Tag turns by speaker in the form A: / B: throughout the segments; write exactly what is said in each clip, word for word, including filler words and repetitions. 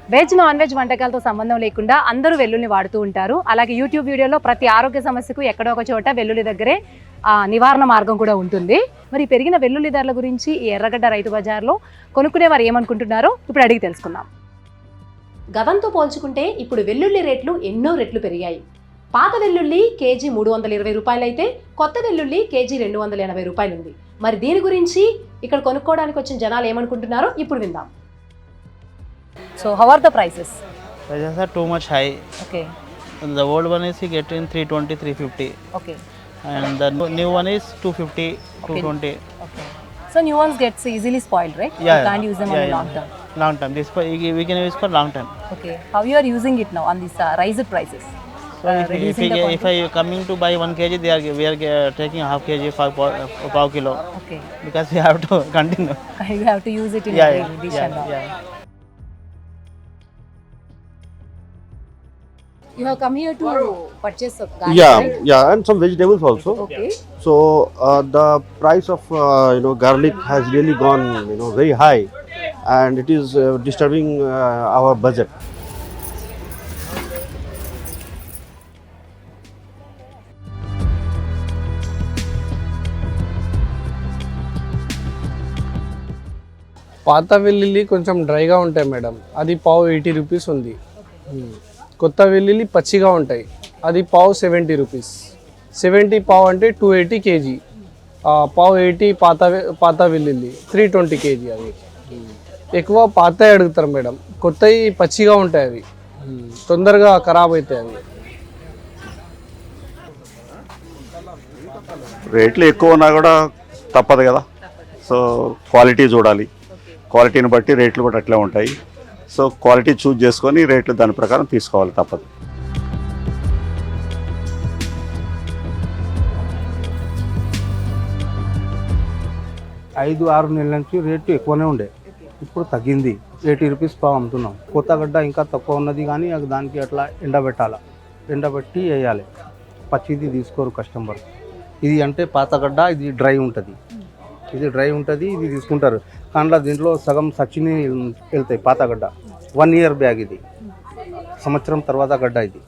A: Veg non veg వంటకాలతో సంబంధం లేకుండా అందరూ వెల్లుల్ని వాడుతూ ఉంటారు. అలాగే యూట్యూబ్ వీడియోలో ప్రతి ఆరోగ్య సమస్యకు ఎక్కడో ఒక చోట వెల్లుల్లి దగ్గరే నివారణ మార్గం కూడా ఉంటుంది. మరి పెరిగిన వెల్లుల్లి ధరల గురించి ఈ ఎర్రగడ్డ రైతు బజార్లో కొనుక్కునే వారు ఏమనుకుంటున్నారో ఇప్పుడు అడిగి తెలుసుకుందాం. గతంతో పోల్చుకుంటే ఇప్పుడు వెల్లుల్లి రేట్లు ఎన్నో రెట్లు పెరిగాయి. పాత వెల్లుల్లి కేజీ మూడు వందల ఇరవై రూపాయలు అయితే కొత్త వెల్లుల్లి కేజీ రెండు వందల ఎనభై రూపాయలు ఉంది. మరి దీని గురించి ఇక్కడ కొనుక్కోవడానికి వచ్చిన జనాలు ఏమనుకుంటున్నారో ఇప్పుడు విందాం. So how are the prices?
B: Prices are too much high.
A: Okay.
B: The old one is you get in three twenty, three fifty.
A: Okay.
B: And the new one is two fifty, two twenty.
A: Okay. So new ones gets easily spoiled, right?
B: Yeah.
A: You can't use them
B: yeah,
A: on a
B: yeah.
A: long term.
B: Long term. This for, we can use for long term.
A: Okay. How you are using it now on these uh, rised prices?
B: So uh, if, if, we, if I coming to buy one kg, they are we are uh, taking half kg, five five kilo.
A: Okay.
B: Because we have to continue.
A: You have to use it in
B: yeah,
A: every
B: yeah,
A: dish
B: yeah,
A: and all.
B: Yeah.
A: You have come here to purchase of garlic,
C: Yeah,
A: right?
C: yeah, and some vegetables also.
A: Okay.
C: So uh, the price of uh, you know garlic has really gone you know very high, and it is uh, disturbing uh, our budget.
D: పాత వెల్లుల్లి కొంచెం డ్రైగా ఉంటాయి madam, అది పావు eighty rupees ఉంది. కొత్త వెల్లుల్లి పచ్చిగా ఉంటాయి, అది పావు సెవెంటీ రూపీస్. సెవెంటీ పావు అంటే టూ ఎయిటీ కేజీ, పావు ఎయిటీ పాత పాత వెల్లుల్లి త్రీ ట్వంటీ కేజీ. అవి ఎక్కువ పాతవి అడుగుతారు మేడం, కొత్తవి పచ్చిగా ఉంటాయి, అవి తొందరగా ఖరాబ్ అవుతాయి. అవి
E: రేట్లు ఎక్కువ ఉన్నా కూడా తప్పదు కదా. సో క్వాలిటీ చూడాలి, క్వాలిటీని బట్టి రేట్లు కూడా అట్లే ఉంటాయి. సో క్వాలిటీ చూజ్ చేసుకొని రేట్లు దాని ప్రకారం తీసుకోవాలి, తప్పదు.
F: ఐదు ఆరు నెలల నుంచి రేటు ఎక్కువనే ఉండే, ఇప్పుడు తగ్గింది. ఎయిటీ రూపీస్ పావు అమ్ముతున్నాం. కొత్త గడ్డ ఇంకా తక్కువ ఉన్నది, కానీ దానికి అట్లా ఎండబెట్టాలి, ఎండబెట్టి వేయాలి. పచ్చిది తీసుకోరు కస్టమర్. ఇది అంటే పాత గడ్డ, ఇది డ్రై ఉంటుంది, ఇది డ్రై ఉంటుంది, ఇది తీసుకుంటారు. కానీ దీంట్లో సగం సచ్చిని వెళ్తాయి. పాత గడ్డ వన్ ఇయర్ బ్యాగ్, ఇది సంవత్సరం తర్వాత గడ్డ. ఇది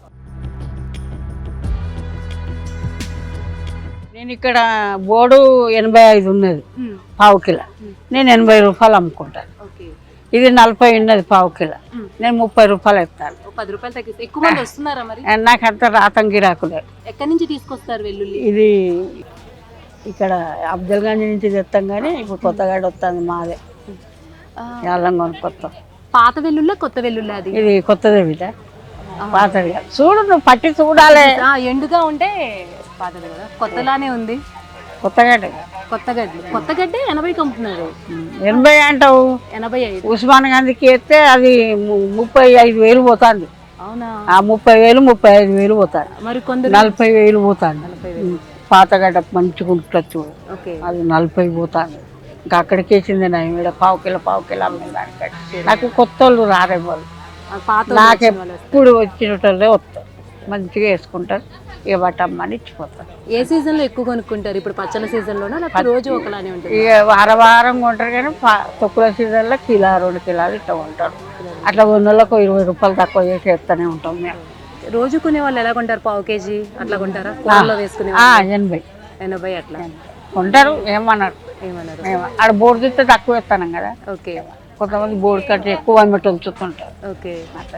G: నేను ఇక్కడ బోర్డు ఎనభై ఐదు ఉన్నది పావు కిలో, నేను ఎనభై రూపాయలు అమ్ముకుంటాను. ఇది నలభై ఉన్నది పావు కిలో, నేను ముప్పై రూపాయలు ఇస్తాను.
A: పది రూపాయలు తగ్గిస్తే ఎక్కువ మంది వస్తున్నారా మరి?
G: నాకు అంత రాతం గిరాకులే.
A: ఎక్కడి నుంచి తీసుకొస్తారు వెల్లుల్లి?
G: ఇది ఇక్కడ అబ్దుల్గంజ్ నుంచి తెస్తాం, కానీ ఇప్పుడు కొత్తగాడ వస్తుంది మాదే, అల్లం కొనుక్కొస్తాం.
A: పాత వెల్లుల్లి కొత్త వెల్లుల్లి? అది
G: ఇది కొత్తదే బిడ్డ, పాతది కాదు. చూడు నువ్వు పట్టి చూడాలి.
A: ఎండుగా ఉంటే పాతది కదా, కొత్తలానే ఉంది.
G: కొత్తగడ్డ
A: కొత్తగడ్డ కొత్తగడ్డ ఎనభైకి అమ్ముతున్నారు.
G: ఎనభై అంటావు?
A: ఎనభై ఐదు.
G: ఉస్మాన్ గాంధీకి వేస్తే అది ముప్పై ఐదు వేలు పోతుంది.
A: అవునా? ఆ
G: ముప్పై వేలు ముప్పై ఐదు వేలు పోతాడు.
A: మరి కొందరు
G: నలభై వేలు పోతాను. పాతగడ్డ మంచిగా ఉంటుంది చూడు, అది నలభై పోతాను. ఇంకా అక్కడికి వేసింది నా ఇక్కడ పావు కిలో పావు కిలో అమ్మిందానికి. నాకు కొత్త వాళ్ళు రారేవాళ్ళు, నాకు ఎప్పుడు వచ్చినట్లే వస్తారు, మంచిగా వేసుకుంటారు. ఇక బట్టమ్మని ఇచ్చిపోతారు.
A: ఏ సీజన్ లో ఎక్కువ కొనుక్కుంటారు? ఇప్పుడు పచ్చల సీజన్ లోనా లేకపోతే రోజు ఒకలానే ఉంటుంది?
G: ఇక వారం వారం కొంటారు, కానీ తొక్కుల సీజన్ లో కిలో రెండు కిలోలు ఇట్లా కొంటారు. అట్లా కొన్నోళ్ళకు ఇరవై రూపాయలు తక్కువ చేసి వేస్తూనే ఉంటాం మేము.
A: రోజు కొనే వాళ్ళు ఎలా కొంటారు? పావు కేజీ అట్లా కొంటారా? వేసుకునే
G: ఎనభై
A: ఎనభై అట్లా
G: కొంటారు. ఏమన్నారు
A: ఏమన్నారు?
G: ఆడ బోర్డు తిస్తే తక్కువ వేస్తాను కదా.
A: ఓకే.
G: కొంతమంది బోర్డు కట్టి ఎక్కువ అమ్మటి ఉంచుతుంటారు.
A: ఓకే.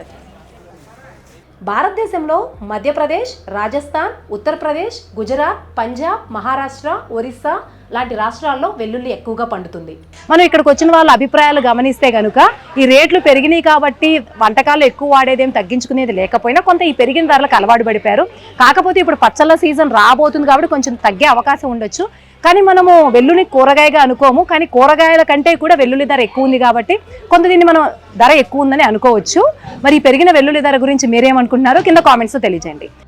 A: భారతదేశంలో మధ్యప్రదేశ్, రాజస్థాన్, ఉత్తరప్రదేశ్, గుజరాత్, పంజాబ్, మహారాష్ట్ర, ఒరిస్సా లాంటి రాష్ట్రాల్లో వెల్లుల్లి ఎక్కువగా పండుతుంది. మనం ఇక్కడికి వచ్చిన వాళ్ళ అభిప్రాయాలు గమనిస్తే కనుక ఈ రేట్లు పెరిగినాయి కాబట్టి వంటకాలు ఎక్కువ వాడేదేం తగ్గించుకునేది లేకపోయినా కొంత ఈ పెరిగిన ధరలకు అలవాటు పడిపోయారు. కాకపోతే ఇప్పుడు పచ్చళ్ళ సీజన్ రాబోతుంది కాబట్టి కొంచెం తగ్గే అవకాశం ఉండొచ్చు. కానీ మనము వెల్లుల్లి కూరగాయగా అనుకోము, కానీ కూరగాయల కంటే కూడా వెల్లుల్లి ధర ఎక్కువ ఉంది కాబట్టి కొంత దీన్ని మనం ధర ఎక్కువ ఉందని అనుకోవచ్చు. మరి ఈ పెరిగిన వెల్లుల్లి ధర గురించి మీరేమనుకుంటున్నారో కింద కామెంట్స్లో తెలియజేయండి.